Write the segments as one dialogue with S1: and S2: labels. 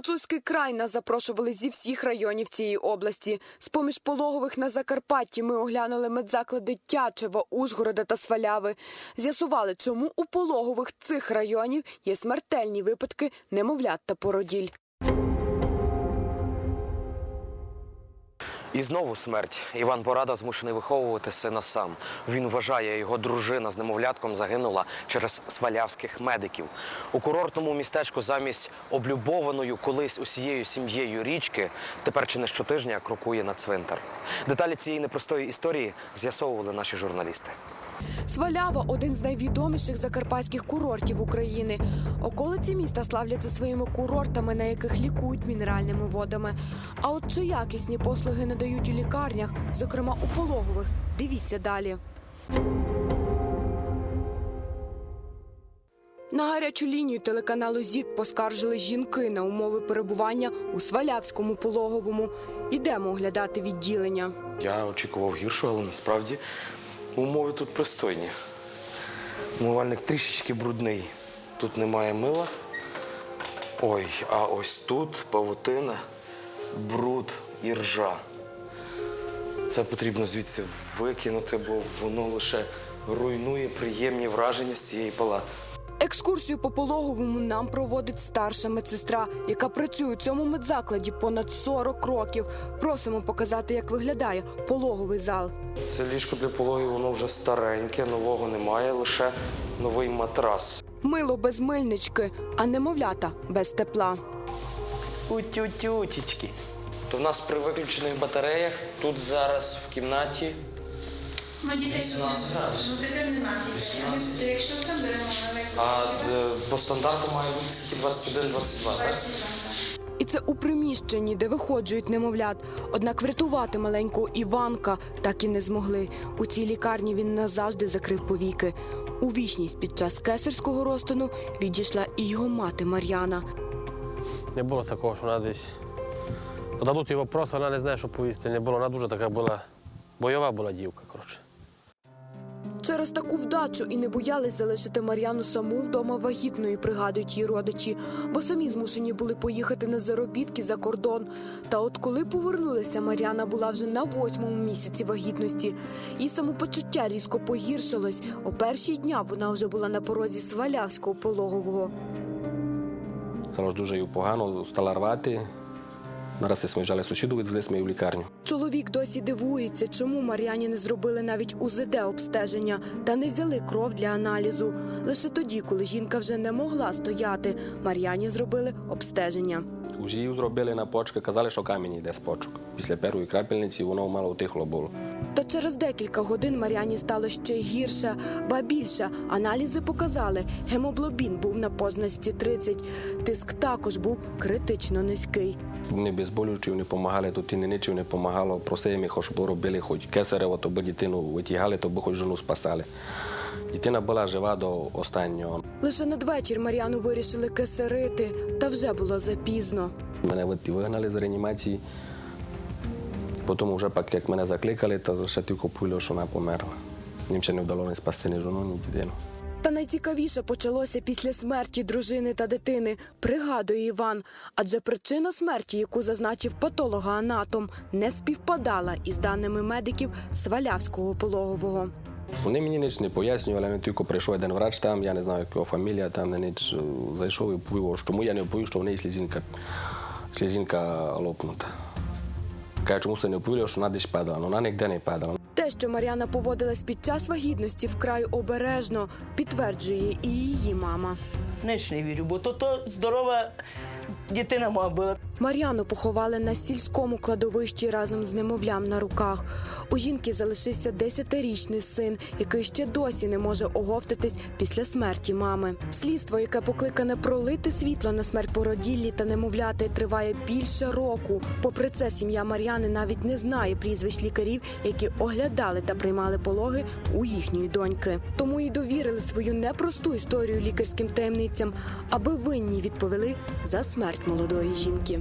S1: Гуцульський край нас запрошували зі всіх районів цієї області. З-поміж пологових на Закарпатті ми оглянули медзаклади Тячева, Ужгорода та Сваляви. З'ясували, чому у пологових цих районів є смертельні випадки немовлят та породіль.
S2: І знову смерть. Іван Порада змушений виховувати сина сам. Він вважає, його дружина з немовлятком загинула через свалявських медиків. У курортному містечку замість облюбованою колись усією сім'єю річки тепер чи не щотижня крокує на цвинтар. Деталі цієї непростої історії з'ясовували наші журналісти.
S1: Свалява – один з найвідоміших закарпатських курортів України. Околиці міста славляться своїми курортами, на яких лікують мінеральними водами. А от чи якісні послуги надають у лікарнях, зокрема у пологових, дивіться далі. На гарячу лінію телеканалу ЗІК поскаржили жінки на умови перебування у Свалявському пологовому. Ідемо оглядати відділення.
S2: Я очікував гіршого, але насправді умови тут пристойні. Умивальник трішечки брудний. Тут немає мила. Ой, а ось тут павутина, бруд і ржа. Це потрібно звідси викинути, бо воно лише руйнує приємні враження з цієї палати.
S1: Екскурсію по пологовому нам проводить старша медсестра, яка працює у цьому медзакладі понад 40 років. Просимо показати, як виглядає пологовий зал.
S2: Це ліжко для пологів, воно вже стареньке, нового немає, лише новий матрас.
S1: Мило без мильнички, а немовлята без тепла.
S2: Утю-тютечки. То в нас при виключених батареях тут зараз в кімнаті 18 градусів.
S3: Ну, тепер немає. Якщо це беремо на
S2: А по стандарту має бути скільки 21-22, так?
S1: І це у приміщенні, де виходжують немовлят. Однак врятувати маленького Іванка так і не змогли. У цій лікарні він назавжди закрив повіки. У вічність під час кесарського розтину відійшла і його мати Мар'яна.
S4: Не було такого, що вона десь зададуть їй вопрос, вона не знає, що повісти. Не було, вона дуже така була, бойова була дівка, коротше.
S1: Через таку вдачу і не боялись залишити Мар'яну саму вдома вагітною, пригадують її родичі, бо самі змушені були поїхати на заробітки за кордон. Та от коли повернулися, Мар'яна була вже на 8-му місяці вагітності. Її самопочуття різко погіршилось. О перші дня вона вже була на порозі Свалявського пологового.
S5: Стало дуже їй погано, стала рвати. Наразі ми взяли сусіду, відвезли ми її в лікарню.
S1: Чоловік досі дивується, чому Мар'яні не зробили навіть УЗД-обстеження та не взяли кров для аналізу. Лише тоді, коли жінка вже не могла стояти, Мар'яні зробили обстеження.
S5: Уже її зробили на почки, казали, що камінь йде з почок. Після першої крапельниці воно мало утихло було.
S1: Та через декілька годин Мар'яні стало ще гірше, ба більше. Аналізи показали, гемоглобін був на позначці 30, тиск також був критично низький.
S5: Вони безболючі, вони допомагали, тут і нічого не допомагало. Просили, хоч би робили, хоч кесарево, то би дитину витягали, то би хоч жону спасали. Дитина була жива до останнього.
S1: Лише надвечір Мар'яну вирішили кесарити, та вже було запізно.
S5: Мене вигнали з реанімації. Потім вже, як мене закликали, то ще тільки почули, що вона померла. Їм ще не вдалося спасти ні жону, ні дитину.
S1: Та найцікавіше почалося після смерті дружини та дитини, пригадує Іван. Адже причина смерті, яку зазначив патологоанатом, не співпадала із даними медиків Свалявського пологового.
S5: Вони мені ніч не пояснювали, не тільки прийшов один врач там, я не знаю, його фамілія, там не ніч зайшов і повів, чому я не повів, що в неї слізинка лопнута. Каже, чому це не повів, що вона десь падала, але вона ніде не падала.
S1: Те, що Мар'яна поводилась під час вагітності вкрай обережно, підтверджує і її мама.
S3: Ніч не вірю, бо то здорова дитина моя була.
S1: Мар'яну поховали на сільському кладовищі разом з немовлям на руках. У жінки залишився 10-річний син, який ще досі не може оговтатись після смерті мами. Слідство, яке покликане пролити світло на смерть породіллі та немовляти, триває більше року. Попри це, сім'я Мар'яни навіть не знає прізвищ лікарів, які оглядали та приймали пологи у їхньої доньки. Тому і довірили свою непросту історію лікарським таємницям, аби винні відповіли за смерть молодої жінки.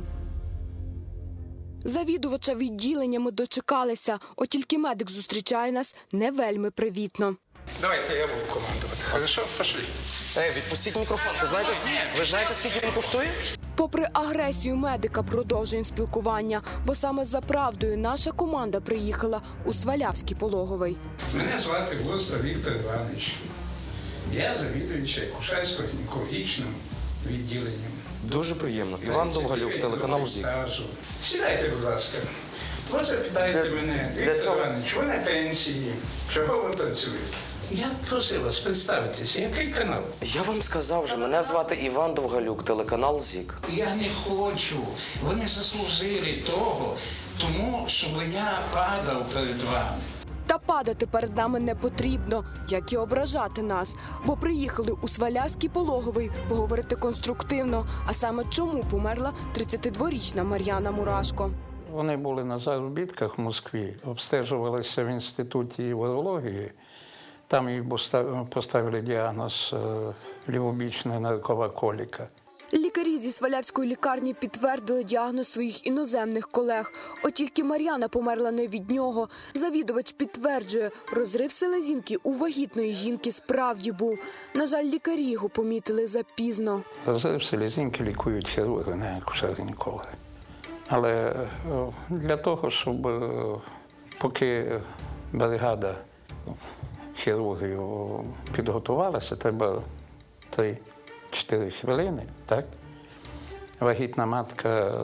S1: Завідувача відділення ми дочекалися, от тільки медик зустрічає нас не вельми привітно.
S6: Давайте я буду командувати. Хорошо, пошли.
S2: Відпустіть мікрофон. Ви знаєте, скільки він коштує?
S1: Попри агресію медика, продовжуємо спілкування, бо саме за правдою наша команда приїхала у Свалявський пологовий.
S6: Мене звати Густа Віктор Іванович. Я завідуючий акушерсько-гінекологічним відділенням.
S2: Дуже приємно. Іван Довгалюк, телеканал ЗІК.
S6: Сідайте, будь ласка. Ви запитаєте мене, Віктор Іванович, ви на пенсії, чого ви працюєте? Я просив вас представитися, який канал?
S2: Я вам сказав вже, мене звати Іван Довгалюк, телеканал ЗІК.
S6: Я не хочу. Вони заслужили того, тому щоб я падав перед вами.
S1: Та падати перед нами не потрібно, як і ображати нас, бо приїхали у Свалявський пологовий поговорити конструктивно, а саме чому померла 32-річна Мар'яна Мурашко.
S7: Вони були на заробітках в Москві, обстежувалися в інституті урології. Там їй поставили діагноз лівобічна наркова коліка.
S1: Лікарі зі Свалявської лікарні підтвердили діагноз своїх іноземних колег. От тільки Мар'яна померла не від нього. Завідувач підтверджує, розрив селезінки у вагітної жінки справді був. На жаль, лікарі його помітили запізно.
S7: Розрив селезінки лікують хірурги, не акушер-гінекологи. Але для того, щоб поки бригада хірургів підготувалася, треба 3-4 хвилини, так? Вагітна матка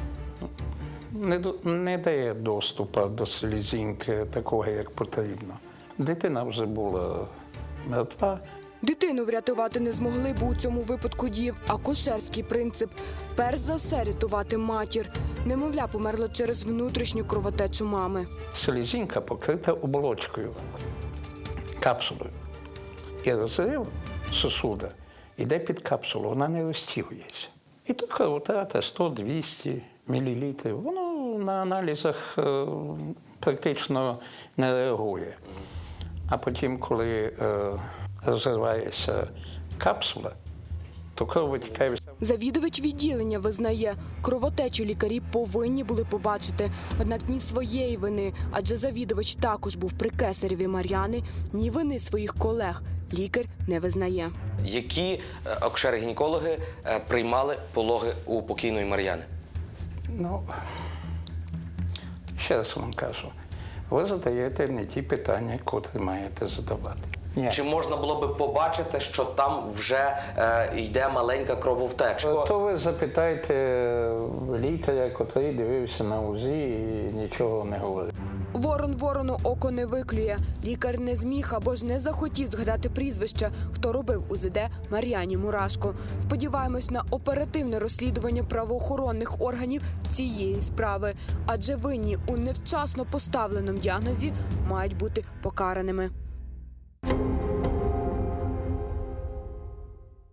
S7: не дає доступу до селезінки такого, як потрібно. Дитина вже була мертва.
S1: Дитину врятувати не змогли, бо у цьому випадку діяв акушерський принцип. Перш за все рятувати матір. Немовля померла через внутрішню кровотечу мами.
S7: Селезінка покрита оболочкою, капсулою. І розрив сосуда йде під капсулу, вона не розтягується. І то кровотрата 100-200 мл. Воно на аналізах практично не реагує. А потім, коли розривається капсула, то кров витікає.
S1: Завідувач відділення визнає, кровотечу лікарі повинні були побачити. Однак ні своєї вини, адже завідувач також був при кесареві Мар'яни, ні вини своїх колег лікар не визнає.
S2: Які акушери-гінекологи приймали пологи у покійної Мар'яни?
S7: Ну, ще раз вам кажу, ви задаєте не ті питання, котрі маєте задавати. Ні.
S2: Чи можна було би побачити, що там вже йде маленька крововтеча?
S7: То ви запитайте лікаря, котрий дивився на УЗІ і нічого не говорив.
S1: Ворон ворону око не виклює. Лікар не зміг або ж не захотів згадати прізвище, хто робив УЗД Мар'яні Мурашко. Сподіваємось на оперативне розслідування правоохоронних органів цієї справи, адже винні у невчасно поставленому діагнозі мають бути покараними.